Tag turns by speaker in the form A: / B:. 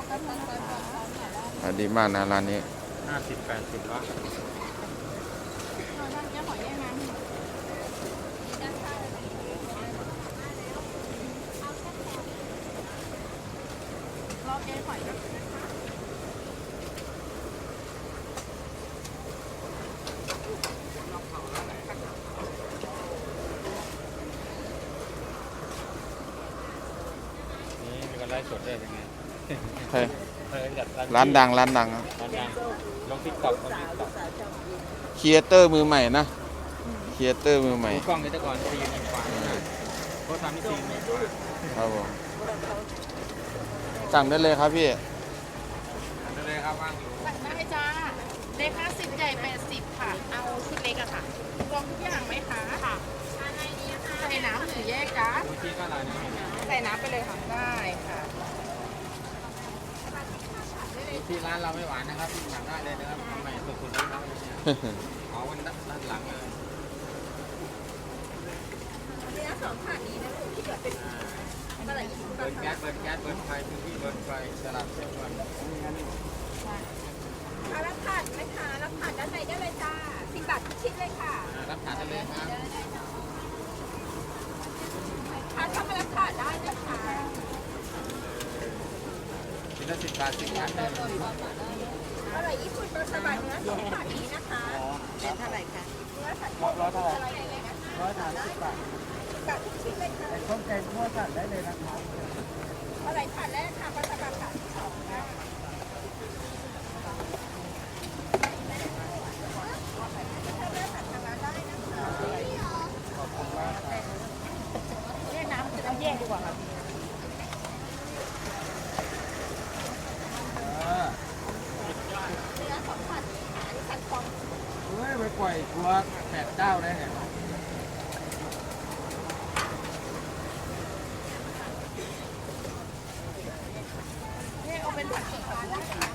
A: ดีมากนะร้านนี้
B: 50-80ละนี่มีคนไลฟ์สดด้วยเป็นไง
A: ใช่
B: จัด
A: ร้านดังครับ
B: ร้านดังลงTikTok
A: ครีเอเตอร์มือใหม่นะครีเอเตอร์มือใหม่
B: ดูกล้องนี้แต่ก่อนตีมือขวาโค้ชทำนี่ตีมือขวา
A: ครับผมสั่งได้เลยครับพี่
B: ได้เลยครับว่างอยู่
C: สั่งได้จ้าเล็ก50ใหญ่80ค่ะ เอาชุดเล็กอะค่ะรวมทุกอย่างไหมคะค่ะใส่น้ำหรือแยกจ้า
B: ดูที่ก็อะไรนะ
C: ใส่น้ำไปเลยค่ะได้ค่ะ
B: ที่ร้านเราไม่หวานนะครับที่สั่งได้เลยนะครับทำใหม่สุดๆเลยครับเอาวันด้านหลังเลย
C: เนื้อสองถาดนี้นะลูกที่เหลือเป็นอะไรอีก
B: เบิร์นแก๊สเบิร์นไฟพื้นที่เบิร์นไฟสลับเส้นเบิร์น
C: รับถาดไหมคะรับถาดด้านในได้เลยจ้า10 บาททุกชิ้นเลยค่ะ
B: รับทานได้เลยครับ
C: ทานเข้ามารับถาดได้นะคะ
B: ชิ้นละ10 บาท10 บาทเลย
C: อร่อยญี่ปุ่นโรสบัตเนื้อสองถาดนี้นะคะเป็นเท่าไหร่คะเนื้อสัตว์
B: ร้อยเท่าไหร่
C: อะไรเลยนะคะ
B: 130 บาท
C: บาททุกชิ้นเลยค่ะ
B: ต้มแกงคั่วสั่งได้เลยนะครับ
C: อะไรถาดแรกค่ะโรสบัตถาดที่สองค่ะแยกน้ำจะต้องแยกดีกว่าค่ะ
B: เฮ้ยไปปล่อยครัว8 เจ้าได้ไง
C: เอาเป็นผักชีฟ้านะคะ